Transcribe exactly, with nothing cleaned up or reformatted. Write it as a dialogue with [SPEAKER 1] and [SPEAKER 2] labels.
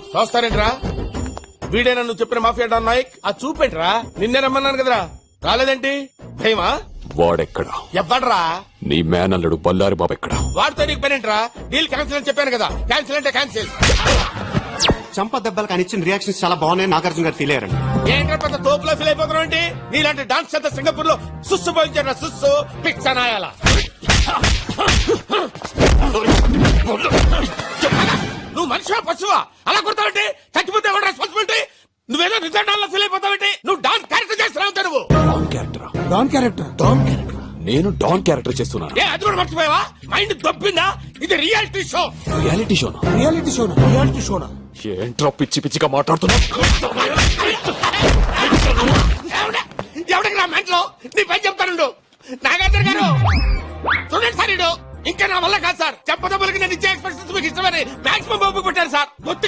[SPEAKER 1] చూస్తారేంట్రా వీడేనా నువ్వు చెప్పిన mafia don Naik? ఆ చూపేంట్రా నిన్నే రమ్మన్నాను కదరా రాలేదేంటి? భయమా?
[SPEAKER 2] వాడెక్కడా?
[SPEAKER 1] ఎవ్వడ్రా?
[SPEAKER 2] నీ మేనల్లుడు బల్లారి బాబు ఎక్కడా?
[SPEAKER 1] వాడితో నీకు పనేంట్రా? డీల్ క్యాన్సిల్ అని చెప్పాను కదా. క్యాన్సిల్ అంటే క్యాన్సిల్.
[SPEAKER 3] చంప దెబ్బలకు ఆయన ఇచ్చిన రియాక్షన్స్ చాలా బాగున్నాయి. నాగార్జున గారు ఫీల్ అయ్యారండి.
[SPEAKER 1] ఏంట్రా పెద్ద తోపులో ఫీల్ అయిపోతున్నావు ఏంటి? నీలాంటి డాన్స్ చేత సింగపూర్ లో సుస్సు పోయించారా సుస్సు పిచ్చనాయాల. నువ్వు మనిషివా పశువా? అలా కొడతావంటే చచ్చిపోతే ఎవరు రెస్పాన్సిబిలిటీ? నువ్వేదో నిజంగా ఫీల్ అయిపోతావంటే నువ్వు డాన్స్ క్యారెక్టర్ చేస్తున్నావు. నువ్వు
[SPEAKER 2] don character?
[SPEAKER 4] Don character?
[SPEAKER 2] Don character? నేను డాన్ క్యారెక్టర్ చేస్తున్నాను.
[SPEAKER 1] ఏ అది కూడా మర్చిపోయావా? మైండ్ దొబ్బిందా? ఇది రియాలిటీ షో.
[SPEAKER 2] రియాలిటీ షోనా?
[SPEAKER 4] రియాలిటీ షోనా? రియాలిటీ షోనా?
[SPEAKER 2] ఏంట్రా పిచ్చి పిచ్చిగా మాట్లాడుతున్నా?
[SPEAKER 1] ఎవడికి నా మెంట్లో నీ పని చెప్తానుండు. నాగార్జున గారు చూడండి సార్, ఇడు ఇంకా నా వల్ల కాదు సార్. చెప్పదబ్బులకి నేను ఇచ్చే ఎక్స్ప్రెషన్స్ మీకు ఇష్టమని మాక్సిమం పంపు పెట్టారు సార్.